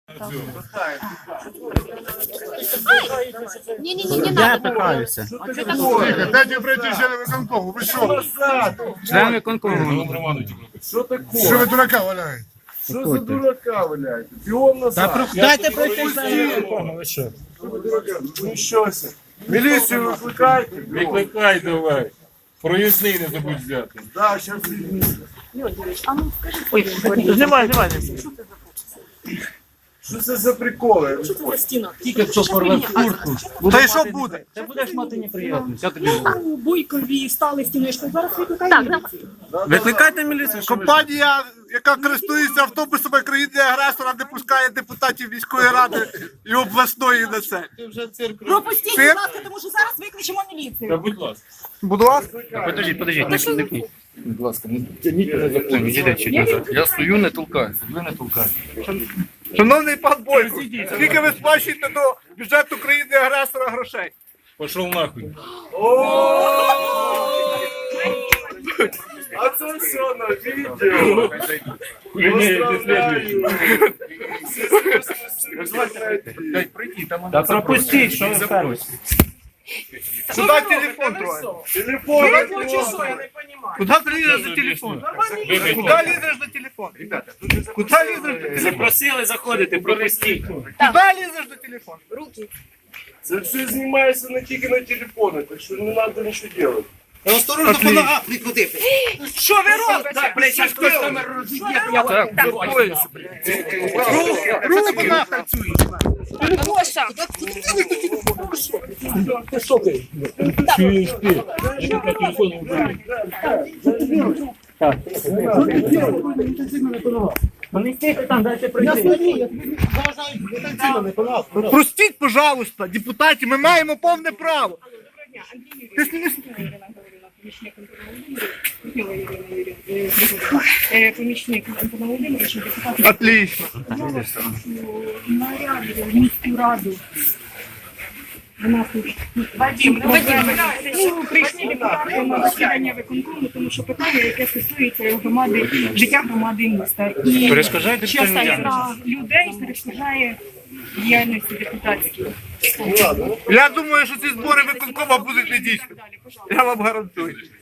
Не-не-не, не Я надо. питаюся. Дайте пройти члени виконкому. Ви що? Член виконкому. Що ви дурака валяєте? Що за дурака валяєте? Піон назад. Дайте пройти член виконкому, ви що? Ну щося. Міліцію викликайте. Викликай давай. Проїзний не забудь взяти. Да, зараз візьму. Знімай. Що це за приколи? Тільки хто порве куртку. Та й що буде? Ти будеш мати неприємність. Я тобі У Бойкові стали стіною, що зараз викликає міліцію. Викликайте міліцію. Компанія, яка користується автобусами країни-агресора, не пускає депутатів міської ради і обласної на це. Пропустіть, будь ласка, тому що зараз викличемо міліцію. Та будь ласка. Будь ласка. Подождіть, не кніть. Будь ласка, не тяніть мене за плечі. Я стою, не толкаюся. Ви не толкаєте. Шановний пан Бойко, скільки ви сплачуєте до бюджету країни-агресора грошей? Пішов нахуй. А це все на відео. Дай прийти, там Та пропустіть, що ви ставите? Куди телефон трогає? Телефон. Куди ти лізеш за телефон? Куди лізеш за телефон? Ребята, куди лізеш за телефон? Запросили заходити, пропустіть. Куди лізеш за телефон? Це все знімається не тільки на телефони, так що не треба нічого робити. Осторожно, по ногах прикрутити. Що ви робите? Руки по ногах працюють. Гоша, Простіть, пожалуйста, депутаті, ми маємо повне право. помічник Антона Володимировича, депутат Отлично. наряду в міську раду. Вадим, прийшли депутати на засідання виконкому, тому що питання, яке стосується громади, життя громади міста. І Перешкоджаєте частина людей перешкоджає діяльності депутатській. Я думаю, що ці збори виконкома будуть недійсними. Я вам гарантую.